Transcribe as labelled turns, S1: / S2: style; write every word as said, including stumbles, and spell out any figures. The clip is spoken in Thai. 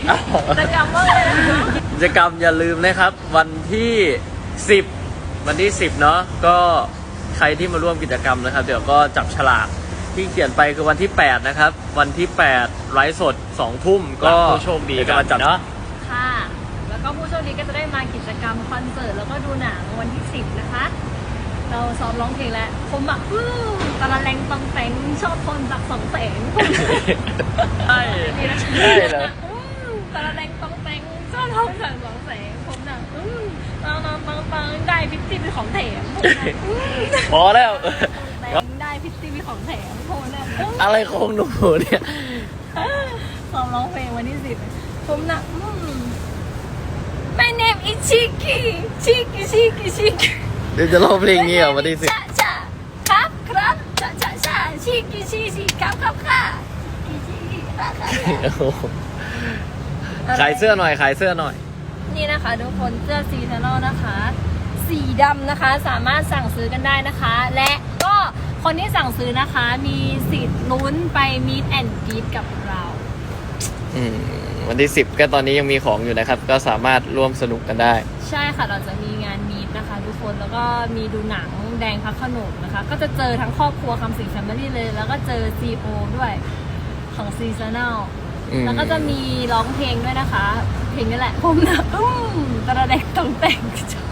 S1: กิจกรรมว่าอะไรนะคะ
S2: กิจกรรมอย่าลืมนะครับวันที่สิบวันที่สิบเนาะก็ใครที่มาร่วมกิจกรรมนะครับเดี๋ยวก็จับฉลากที่เขียนไปคือวันที่แปดนะครับวันที่แปดไลฟ์สดสองทุ่มก็
S3: ผู้โชคดีกัน
S2: มาจับเนาะ
S1: ค่ะแล้วก็ผู้โชคดีก็จะได้มากิจกรรมคอนเสิร์ตแล้วก็ดูหนังวันที่สิบนะคะเราซ้อมร้องเพลงแล้วผมแบบอื้อตะละแรงตังแตงชอบคนจากสองแสง
S2: ใช่ใช่เหรอ
S1: ตะละแรงตังแตงชอบคนจากสองแสงผมน่ะอื้อตังตังตังตังได้พิตตี้เป็นของแถม
S2: พอแล้ว
S1: ได้พิตตี้เป็นของแถมผมน่ะ
S2: อะไรของหนูเนี่ย
S1: ซ้อมร้องเพลงวันที่สิบผมน่ะMy name is Chiki Chiki Chiki Chiki
S2: เดี๋ยวจะร้องเพลงนี้เหรอวันที่สิบ
S1: ครับครับชะชะชะชิกิชิชิครับครับค่ะชิกิชิค่ะค่ะ
S2: ขายเสื้อหน่อยขายเสื้อหน่อย
S1: นี่นะคะทุกคนเสื้อซีซันนอลนะคะสีดำนะคะสามารถสั่งซื้อกันได้นะคะและก็คนที่สั่งซื้อนะคะมีสิทธิ์ลุ้นไปมีดแอนด์กรีดกับเรา
S2: อืมวันที่สิบก็ตอนนี้ยังมีของอยู่นะครับก็สามารถร่วมสนุกกันได้
S1: ใช่ค่ะเราจะมีงานมีดนะคะทุกคนแล้วก็มีดูหนังแดงพักขนมนะคะก็จะเจอทั้งครอบครัวคำสิงแฟมิลี่เลยแล้วก็เจอ ซี โอ ด้วยของซีซันแนลแล้วก็จะมีร้องเพลงด้วยนะคะเพลงนี้แหละผมนะอืมตระเด็กต้องแต่ง